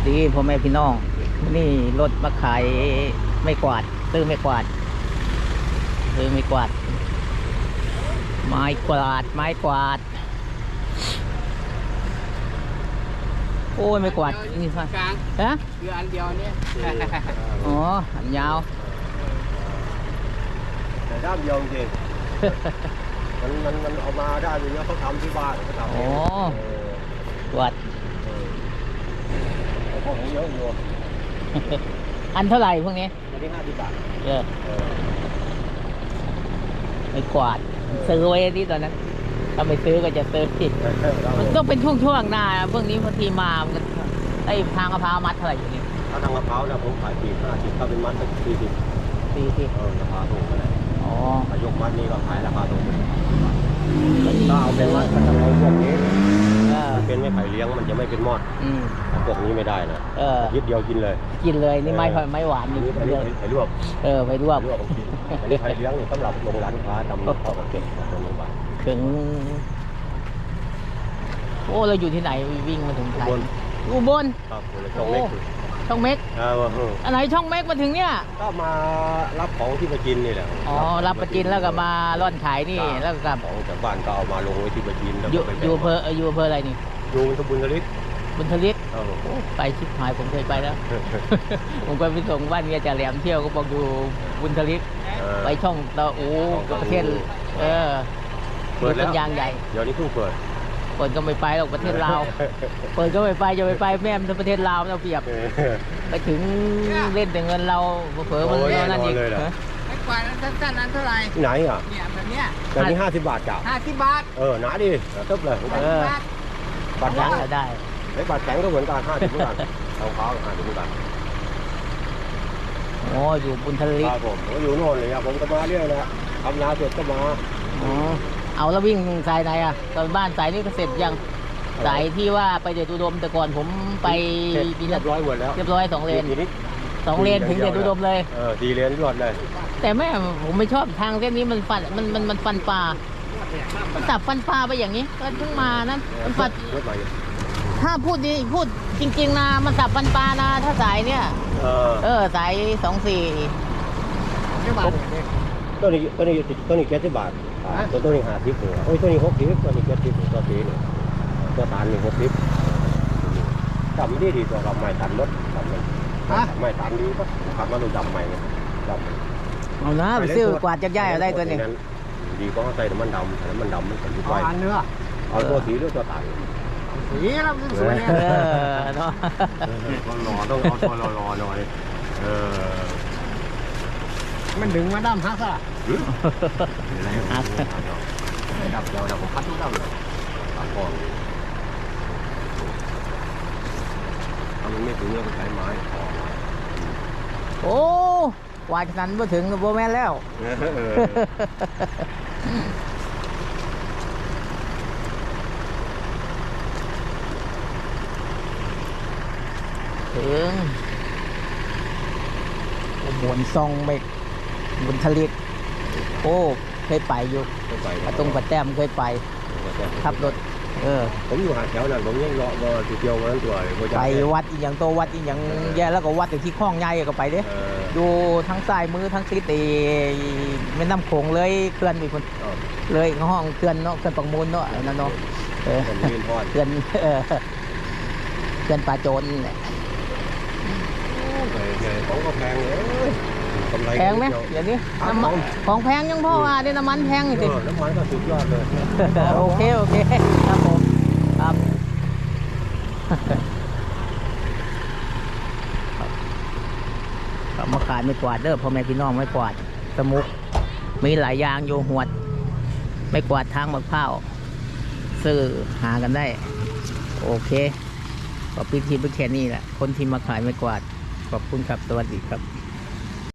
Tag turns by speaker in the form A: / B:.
A: ดีพ่อแม่พี่น้องนี่รถมาขายไม่กวาดซื้อไม่กวาดซื้อไม่กวาดไม้กวาดไม้กวาดโอ้ยไม่กวาดนี่ค่ะ
B: กลาง
A: ฮะ
B: คืออันเดียวเนี่ย
A: อ๋ออันยาว
C: แต่ด้ามเดียวจริงมันเอามาได้อย่างเงี้ยเขาทำที่บ้านเขาทำ
A: อ๋อกวาด
C: พวกนี้เยอะอยู่
A: อันเท่าไหร่พวกนี้
C: วันที่50 บาท
A: ไม่กวาดซื้อไว้ที่ตอนนั้นถ้าไม่ซื้อก็จะซื้อผิดมันต้องเป็นช่วงๆหน้าพวกนี้บางทีมามันไอ้ทางมะพร้าวมัดเท่าไหร่อยู่นี่
C: ถ้าทางมะพร้าวนะผมขาย50 ถ้าเป็นมัดก็40ราคาถูกเลย
A: อ๋อ
C: ถ้ายกมัดนี่ก็ขายราคาถูกถ้าเอาเป็นมัดก็ต้องเอาพวกนี้มันเป็นไม่ไผ่เลี้ยงมันจะไม่เป็นมอดพวกนี้ไม่ได้นะยิดเดียวกินเลย
A: กินเลยนี่ไม่หวานนี่
C: อันนี้ไผ่ลวก
A: ไปลวก
C: อันนี้ไผ่เลี้ยงนี่สำหรับลงร้านค้าทำข้าวเก็บตรงนี้บ้าง
A: ถึงโอ้เราอยู่ที่ไหนวิ่งมาถึงไทยอุบล
C: ครับช่องเม็ก
A: ช่องเม็กอะไรช่องเม็กมาถึงเนี่ย
C: ก็มารับของที่ประจินนี่แหละ
A: อ๋อรับประจินแล้วก็มาร่อนขายนี่แล้วก็กลับ
C: ของจากบ้านก็เอามาลงไว้ที่ประจิน
A: อยู่อำเภออะไรนี่
C: อยู่บุญทลิก
A: ไปชิบหายผมเคยไปแล้วผมไปส่งบ้านเมียจ่าแหลมเที่ยวก็บอกอยู่บุญทลิกไปช่องตะโอ้ประเทศเปิดแล้วยางใหญ่
C: เดี๋ยวนี้เพิ่งเปิด
A: ก็ไม่ไปหรอกประเทศลาวเปิดก็ไม่ไปจะไปแม่มันประเทศลาวเราเปรียบไปถึงเล่นแต่เงินเราเผลอมันนั่นอีก
B: ไม่กวาดสั้นๆนั้นเท่าไหร่
C: ไหนอ่ะ
B: เนี่ยแบบเนี้ย
C: แบบนี้50 บาทจ้ะ
B: 50 บาท
C: หนาดิตึ๊บเลย
A: บาทแข็งก็ได้
C: ไอ้บาทแข็งก็เหมือนกัน50 เหมือนกันทองฟ้า50 เหมือนกัน
A: โอ้อยู่บุญทลิก
C: ผมอยู่โน่นเลยครับผมก็มาเรื่อยนะทำนาเสร็จก็มา
A: เอาแล้ววิ่งสายไหนอ่ะตอนบ้านสายนี้ก็เสร็จยังสายที่ว่าไปเดชอุดมแต่ก่อนผมไป
C: เรียบร้อยหมดแล้ว
A: เรียบร้อย2 เลนถึงเดชอุดมเลย
C: 4 เลนรวดเลย
A: แต่แม่ผมไม่ชอบทางเส้นนี้มันฟันปลามันสับฟันปลาไปอย่างนี้ก็เพิ่งมานะมันฟัดถ้าพูดจริงๆนะมันสับฟันปลานะถ้าสายเนี่ยสาย24
C: ตัวนี้70 บาทตัวนี้50หัวตัวนี้60ตัวนี้70ตัวตีนี่ตัวตาลนี่60จำดีตัวเราไม่ตันรถไม่ตันดีก็ขับมาดูจำใหม่
A: เอานะไปซื้อกวาดจักรยานเอาได้ตัวนี้
C: ดีก็ใส่น้ำมันดำมันเป็นไฟ
B: เนื้อ
C: เอาตัวสีหรือตัวตาล
B: สีแล้วสวยเนี่ย
A: เนาะ
C: ต้องเอาตัวรอหน่อย
B: มันดึงมาดำฮักอะ
C: ดับเราผมพัดทุกดำเลยตามกองถ้ามันไม่ถึงเราก็ใช้ไม้
A: โอ้วายนั้นมาถึงโบแมนแล้วถึงบนซองเมกบนทะเลโอ้เคยไปอยู่ตรงปัดแต้มเคยไปขับรถ
C: ผมอยู่หาดแถวนั้นผมยังรอจุดเดียววันนั้นตัว
A: ไปวัดอีกอย่างโตวัดอีกอย่างแย่แล้วก็วัดที่คลองใหญ่ก็ไปเด้ดูทั้งซ้ายมือทั้งทิศแม่น้ำโขงเลยเคลื่อนไปคนเลยห้องเคลื่อนเนาะเคลื่อนปังมูลเนาะนั่นเนาะเคลื่อนปลาโจรแหละ
C: ของก็แพงเลย
A: แพงไหมอย่างนี้ของแพงยังพ่อว่าได้น้ำมันแพงจริง
C: น้ำมันก็สุดยอดเลย
A: โอเคครับผมครับมาขายไม่กวาดเด้อพ่อแม่พี่น้องไม่กวาดสมุกมีหลายอย่างโยหวดไม่กวาดทางมะพร้าวซื้อหากันได้โอเคก็พิธีแค่นี้แหละคนที่มาขายไม่กวาดขอบคุณครับสวัสดีครับ